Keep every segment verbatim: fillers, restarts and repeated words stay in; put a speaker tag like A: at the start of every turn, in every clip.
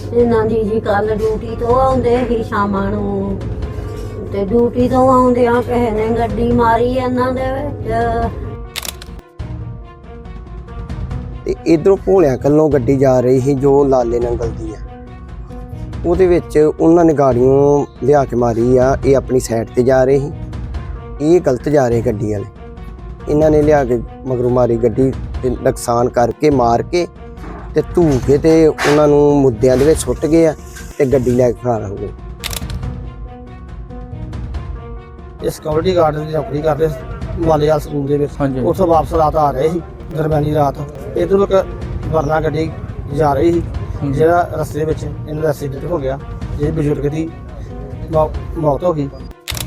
A: ਇਹਨਾਂ ਦੀ ਜੀ ਕੱਲ ਡਿਊਟੀ ਤੋਂ ਆਉਂਦੇ ਹੀ ਸ਼ਾਮਾਂ ਨੂੰ ਤੇ ਡਿਊਟੀ ਤੋਂ ਆਉਂਦਿਆਂ ਕਿਸੇ ਨੇ ਗੱਡੀ ਮਾਰੀ ਇਹਨਾਂ ਦੇ ਵਿੱਚ
B: ਤੇ ਇਧਰੋਂ ਭੋਲਿਆਂ ਕੱਲੋਂ ਗੱਡੀ ਜਾ ਰਹੀ ਸੀ ਜੋ ਲਾਲੇ ਨੰਗਲ ਦੀ ਆ। ਉਹਦੇ ਵਿੱਚ ਉਹਨਾਂ ਨੇ ਗਾੜੀਆਂ ਲਿਆ ਕੇ ਮਾਰੀ ਆ। ਇਹ ਆਪਣੀ ਸਾਈਡ ਤੇ ਜਾ ਰਹੇ ਸੀ, ਇਹ ਗਲਤ ਜਾ ਰਹੇ ਗੱਡੀ ਵਾਲੇ। ਇਹਨਾਂ ਨੇ ਲਿਆ ਕੇ ਮਗਰੋਂ ਮਾਰੀ ਗੱਡੀ ਤੇ ਨੁਕਸਾਨ ਕਰਕੇ ਮਾਰ ਕੇ ਤੇ ਧੂ ਕੇ ਤੇ ਉਹਨਾਂ ਨੂੰ ਮੁੱਦਿਆਂ ਦੇ ਵਿੱਚ ਸੁੱਟ ਗਏ ਆ ਤੇ ਗੱਡੀ ਲੈ ਕੇ ਫਰਾਰ ਹੋ ਗਏ।
C: ਇਹ ਸਿਕਿਉਰਿਟੀ ਗਾਰਡ ਦੀ ਨੌਕਰੀ ਕਰਦੇ ਮਾਲੇਵਾਲ ਸਕੂਲ ਦੇ ਵਿੱਚ। ਉੱਥੋਂ ਵਾਪਸ ਰਾਤ ਆ ਰਹੇ ਸੀ, ਦਰਮਿਆਨੀ ਰਾਤ ਇੱਧਰੋਂ ਇੱਕ ਵਰਨਾ ਗੱਡੀ ਜਾ ਰਹੀ ਸੀ, ਜਿਹੜਾ ਰਸਤੇ ਵਿੱਚ ਇਹਨਾਂ ਦਾ ਐਕਸੀਡੈਂਟ ਹੋ ਗਿਆ, ਜਿਹਦੇ ਬਜ਼ੁਰਗ ਦੀ ਮੌਤ ਹੋ ਗਈ।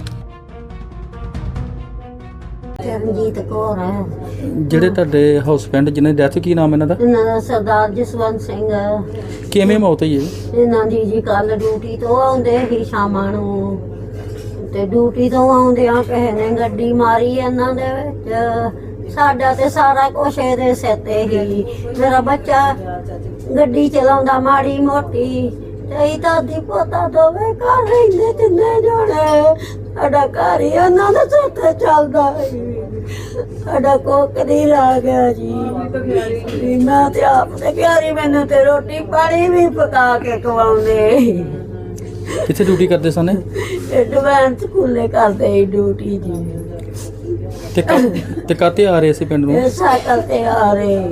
A: ਚਰਨਜੀਤ ਕੌਰ ਹੈ
D: ਜਿਹੜੇ ਤੁਹਾਡੇ ਹਸਬੈਂਡ ਜਿਹਨਾਂ ਦੀ ਡੈਥ, ਕੀ ਨਾਮ ਇਹਨਾਂ ਦਾ?
A: ਇਹਨਾਂ ਦਾ ਸਰਦਾਰ ਜਸਵੰਤ ਸਿੰਘ।
D: ਕਿਵੇਂ ਮੌਤ ਹੋਈ ਹੈ
A: ਇਹਨਾਂ ਦੀ ਜੀ ਕੱਲ ਡਿਊਟੀ ਤੋਂ ਆਉਂਦੇ ਹੀ ਸ਼ਾਮਾਂ ਨੂੰ ਤੇ ਡਿਊਟੀ ਤੋਂ ਆਉਂਦਿਆਂ ਕਿਸੇ ਨੇ ਗੱਡੀ ਮਾਰੀ ਇਹਨਾਂ ਦੇ ਵਿੱਚ। ਸਾਡਾ ਤੇ ਸਾਰਾ ਕੁਛ ਇਹਦੇ ਸਿਰ ਤੇ ਹੀ। ਮੇਰਾ ਬੱਚਾ ਗੱਡੀ ਚਲਾਉਂਦਾ ਮਾੜੀ ਮੋਟੀ ਤੇ ਦਾਦੀ ਪੋਤਾ ਦੋਵੇਂ ਘਰ ਰਹਿੰਦੇ ਤਿੰਨੇ ਜਣੇ। ਸਾਡਾ ਘਰ ਹੀ ਉਹਨਾਂ ਦੇ ਸਿਰ ਤੇ ਚੱਲਦਾ ਸੀ। ਸਾਡਾ ਕੋਕ ਨਹੀਂ ਰਹਿ ਗਿਆ ਜੀ। ਮੈਂ ਤੇ ਆਪ ਤੇ ਪਿਆਰੀ ਮੈਨੂੰ ਤੇ ਰੋਟੀ ਪਾਣੀ ਵੀ ਪਕਾ ਕੇ ਖਵਾਉਂਦੇ।
D: ਕਿੱਥੇ ਡਿਊਟੀ ਕਰਦੇ ਸਨ?
A: ਐਡਵਾਂਸ ਸਕੂਲੇ ਕਰਦੇ ਸੀ ਡਿਊਟੀ ਜੀ।
D: ਤੇ ਕਾ- ਤੇ ਕਾਤੇ ਆ ਰਹੇ ਸੀ ਪਿੰਡ ਨੂੰ?
A: ਇਹ ਸਾਈਕਲ ਤੇ ਆ ਰਹੇ।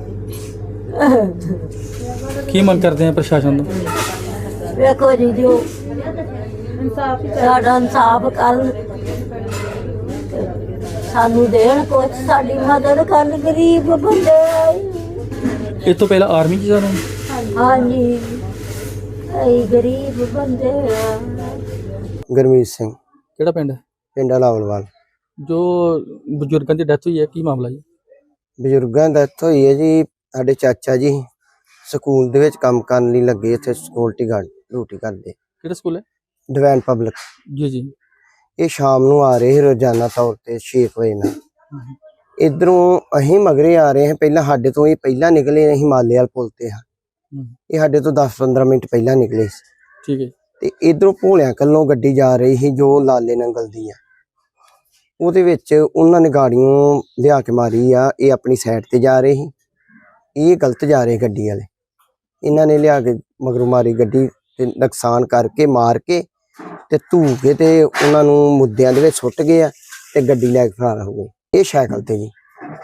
D: ਕੀ ਮੰਗ ਕਰਦੇ ਆ ਪ੍ਰਸ਼ਾਸਨ ਤੋਂ?
A: ਵੇਖੋ ਜੀ ਜੋ ਸਾਡਾ ਇਨਸਾਫ ਕਰਨ, ਸਾਨੂੰ ਦੇਣ ਕੁਛ, ਸਾਡੀ ਮਦਦ ਕਰਨ। ਗਰੀਬ ਬੰਦੇ
D: ਇਸ ਤੋਂ ਪਹਿਲਾਂ ਆਰਮੀ 'ਚ ਜਾਣਾ?
A: ਹਾਂਜੀ, ਅਸੀਂ ਗਰੀਬ ਬੰਦੇ ਆ।
B: ਗੁਰਮੀਤ ਸਿੰਘ,
D: ਕਿਹੜਾ ਪਿੰਡ ਹੈ?
B: ਪਿੰਡ ਲਾਵਲਵਾਲ।
D: ਜੋ ਬਜ਼ੁਰਗਾਂ ਦੀ ਡੈਥ ਹੋਈ ਹੈ, ਕੀ ਮਾਮਲਾ ਜੀ?
B: ਬਜ਼ੁਰਗਾਂ ਦਾ ਇੱਥੋਂ ਹੋਈ ਹੈ ਜੀ। ਸਾਡੇ ਚਾਚਾ ਜੀ ਸਕੂਲ ਦੇ ਵਿੱਚ ਕੰਮ ਕਰਨ ਲਈ ਲੱਗੇ, ਇੱਥੇ ਸਿਕਿਉਰਿਟੀ ਗਾਰਡ ਡਿਊਟੀ ਕਰਦੇ।
D: ਕਿਹੜਾ ਸਕੂਲ ਹੈ?
B: Divine Public.
D: ਜੀ ਜੀ।
B: ਇਹ ਸ਼ਾਮ ਨੂੰ ਆ ਰਹੇ ਸੀ ਰੋਜ਼ਾਨਾ ਤੌਰ ਤੇ ਛੇ ਵਜੇ ਨਾਲ। ਇਧਰੋਂ ਅਸੀਂ ਮਗਰੇ ਆ ਰਹੇ ਹਾਂ। ਪਹਿਲਾਂ ਸਾਡੇ ਤੋਂ ਇਹ ਪਹਿਲਾਂ ਨਿਕਲੇ, ਅਸੀਂ ਮਾਲੇਵਾਲ ਪੁਲ ਤੇ ਹਾਂ। ਇਹ ਸਾਡੇ ਤੋਂ ਦਸ ਪੰਦਰਾਂ ਮਿੰਟ ਪਹਿਲਾਂ ਨਿਕਲੇ ਸੀ।
D: ਠੀਕ ਹੈ।
B: ਤੇ ਇਧਰੋਂ ਭੋਲਿਆਂ ਕੱਲੋਂ ਗੱਡੀ ਜਾ ਰਹੀ ਸੀ ਜੋ ਲਾਲੇ ਨੰਗਲ ਦੀ ਆ। ਉਹਦੇ ਵਿੱਚ ਉਹਨਾਂ ਨੇ ਗਾੜੀਆਂ ਲਿਆ ਕੇ ਮਾਰੀ ਆ। ਇਹ ਆਪਣੀ ਸਾਈਡ ਤੇ ਜਾ ਰਹੇ ਸੀ, ਇਹ ਗਲਤ ਜਾ ਰਹੇ ਗੱਡੀ ਵਾਲੇ। ਇਹਨਾਂ ਨੇ ਲਿਆ ਕੇ ਮਗਰੋਂ ਮਾਰੀ ਗੱਡੀ ਤੇ ਨੁਕਸਾਨ ਕਰਕੇ ਮਾਰ ਕੇ ਤੇ ਧੂ ਕੇ ਤੇ ਉਹਨਾਂ ਨੂੰ ਮੁੱਦਿਆਂ ਦੇ ਵਿੱਚ ਸੁੱਟ ਗਏ ਆ ਤੇ ਗੱਡੀ ਲੈ ਕੇ ਫਰਾਰ ਹੋ ਗਏ। ਇਹ ਸਾਈਕਲ ਤੇ ਜੀ।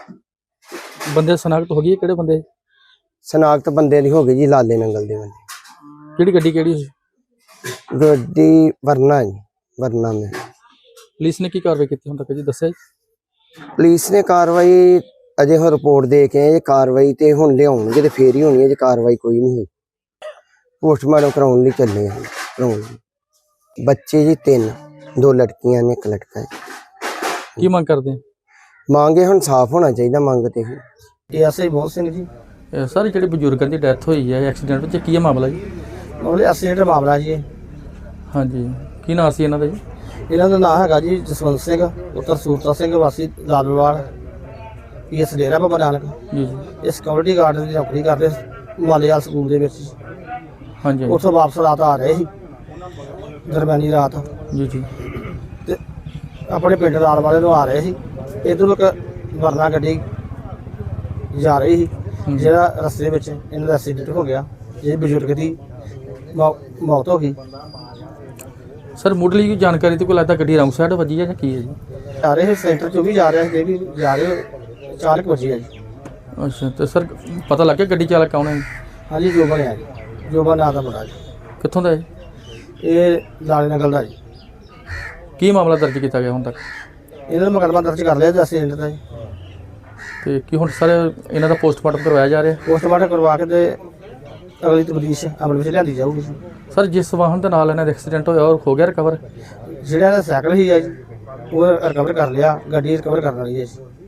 D: ਬੰਦੇ ਸਨਾਖਤ ਹੋ ਗਈ? ਕਿਹੜੇ ਬੰਦੇ?
B: ਸਨਾਖਤ ਬੰਦੇ ਦੀ ਹੋ ਗਈ ਜੀ, ਲਾਲੇ ਨੰਗਲ ਦੇ ਬੰਦੇ।
D: ਕਿਹੜੀ ਗੱਡੀ ਕਿਹੜੀ ਸੀ?
B: ਗੱਡੀ ਵਰਨਾ ਜੀ, ਵਰਨਾ ਮੈਂ।
D: ਪੁਲਿਸ ਨੇ ਕੀ ਕਾਰਵਾਈ ਕੀਤੀ ਹੁਣ ਤੱਕ ਜੀ, ਦੱਸਿਆ ਜੀ?
B: ਪੁਲਿਸ ਨੇ ਕਾਰਵਾਈ ਅਜੇ ਹੁਣ ਰਿਪੋਰਟ ਦੇ ਕੇ ਆਏ। ਕਾਰਵਾਈ ਤੇ ਹੁਣ ਲਿਆਉਣਗੇ ਤੇ ਫੇਰ ਹੀ ਹੋਣੀ ਹੈ। ਜੇ ਕਾਰਵਾਈ ਕੋਈ ਨਹੀਂ ਹੋਈ, ਪੋਸਟਮਾਰਟਮ ਕਰਾਉਣ ਲਈ ਚੱਲੇ ਆ। ਕਰਾਉਣ ਲਈ ਬੱਚੇ ਜੀ ਤਿੰਨ, ਦੋ ਲੜਕੀਆਂ ਨੇ, ਇੱਕ ਲੜਕਾ ਹੈ।
D: ਕੀ ਮੰਗ ਕਰਦੇ?
B: ਮੰਗੇ ਹੁਣ ਸਾਫ਼ ਹੋਣਾ ਚਾਹੀਦਾ ਮੰਗ ਤੇ।
C: ਇਹ ਐਸਆਈ ਮੋਹਨ ਸਿੰਘ ਜੀ।
D: ਇਹ ਸਾਰੇ ਜਿਹੜੇ ਬਜ਼ੁਰਗਾਂ ਦੀ ਡੈਥ ਹੋਈ ਹੈ ਐਕਸੀਡੈਂਟ ਵਿੱਚ, ਕੀ ਹੈ ਮਾਮਲਾ ਜੀ?
C: ਉਹਦੇ ਐਕਸੀਡੈਂਟ ਮਾਮਲਾ ਜੀ ਇਹ।
D: ਹਾਂਜੀ, ਕੀ ਨਾਂ ਸੀ ਇਹਨਾਂ ਦਾ ਜੀ?
C: ਇਹਨਾਂ ਦਾ ਨਾਮ ਹੈਗਾ ਜੀ ਜਸਵੰਤ ਸਿੰਘ ਪੁੱਤਰ ਸੂਰਤਾ ਸਿੰਘ ਵਾਸੀ ਲਾਲਵਾਲ, ਪੀਐਸ ਡੇਰਾ ਬਾਬਾ ਨਾਨਕ।
D: ਜੀ ਜੀ।
C: ਇਹ ਸਿਕਿਉਰਿਟੀ ਗਾਰਡ ਦੀ ਨੌਕਰੀ ਕਰਦੇ ਮਾਲੇਵਾਲ ਸਕੂਲ ਦੇ ਵਿੱਚ।
D: ਹਾਂਜੀ
C: ਉੱਥੋਂ ਵਾਪਸ ਰਾਤ ਆ ਰਹੇ ਸੀ, ਦਰਮਿਆਨੀ ਰਾਤ
D: ਜੀ ਜੀ।
C: ਤੇ ਆਪਣੇ ਪਿੰਡ ਲਾਲ ਵਾਲੇ ਨੂੰ ਆ ਰਹੇ ਸੀ। ਇੱਧਰੋਂ ਇੱਕ ਵਰਨਾ ਗੱਡੀ ਜਾ ਰਹੀ ਸੀ, ਜਿਹੜਾ ਰਸਤੇ ਵਿੱਚ ਇਹਨਾਂ ਦਾ ਐਕਸੀਡੈਂਟ ਹੋ ਗਿਆ, ਜਿਹਦੇ ਬਜ਼ੁਰਗ ਦੀ ਮੌਤ ਹੋ ਗਈ।
D: ਸਰ ਮੁੱਢਲੀ ਕੋਈ ਜਾਣਕਾਰੀ ਤੇ ਕੋਈ ਲੱਗਦਾ ਗੱਡੀ ਰੌਂਗ ਸਾਈਡ ਵੱਜੀ ਹੈ ਜਾਂ ਕੀ ਹੈ ਜੀ?
C: ਆ ਰਹੇ ਸੈਂਟਰ ਚੋਂ ਵੀ ਜਾ ਰਿਹਾ ਸੀ, ਇਹ ਵੀ ਜਾ ਰਹੇ ਚਾਰ ਕੁ ਵਜੇ ਆ ਜੀ।
D: ਅੱਛਾ, ਤੇ ਸਰ ਪਤਾ ਲੱਗ ਗਿਆ ਗੱਡੀ ਚਾਲਕ ਕੌਣ ਹੈ?
C: ਹਾਂਜੀ, ਜੋਬਨ ਹੈ ਜੀ, ਜੋਬਨ ਨਾਂ ਦਾ ਮੁੰਡਾ ਜੀ।
D: ਕਿੱਥੋਂ ਦਾ ਹੈ?
C: ਇਹ ਲਾਲੇ ਨਗਲ ਦਾ ਜੀ।
D: ਕੀ ਮਾਮਲਾ ਦਰਜ ਕੀਤਾ ਗਿਆ ਹੁਣ ਤੱਕ?
C: ਇਹਨਾਂ ਦਾ ਮੁਕੱਦਮਾ ਦਰਜ ਕਰ ਲਿਆ ਜੀ ਐਕਸੀਡੈਂਟ ਦਾ ਜੀ।
D: ਤੇ ਕੀ ਹੁਣ ਸਰ ਇਹਨਾਂ ਦਾ ਪੋਸਟਮਾਰਟਮ ਕਰਵਾਇਆ ਜਾ ਰਿਹਾ?
C: ਪੋਸਟਮਾਰਟਮ ਕਰਵਾ ਕੇ ਤੇ ਅਗਲੀ ਤਬਦੀਸ਼ ਅਮਲ ਵਿੱਚ ਲਿਆਂਦੀ ਜਾਊਗੀ।
D: ਸਰ ਜਿਸ ਵਾਹਨ ਦੇ ਨਾਲ ਇਹਨਾਂ ਦਾ ਐਕਸੀਡੈਂਟ ਹੋਇਆ ਉਹ ਹੋ ਗਿਆ ਰਿਕਵਰ?
C: ਜਿਹੜਾ ਇਹਦਾ ਸਾਈਕਲ ਸੀ ਜੀ, ਉਹ ਰਿਕਵਰ ਕਰ ਲਿਆ, ਗੱਡੀ ਰਿਕਵਰ ਕਰਨ ਵਾਲੀ ਹੈ ਜੀ।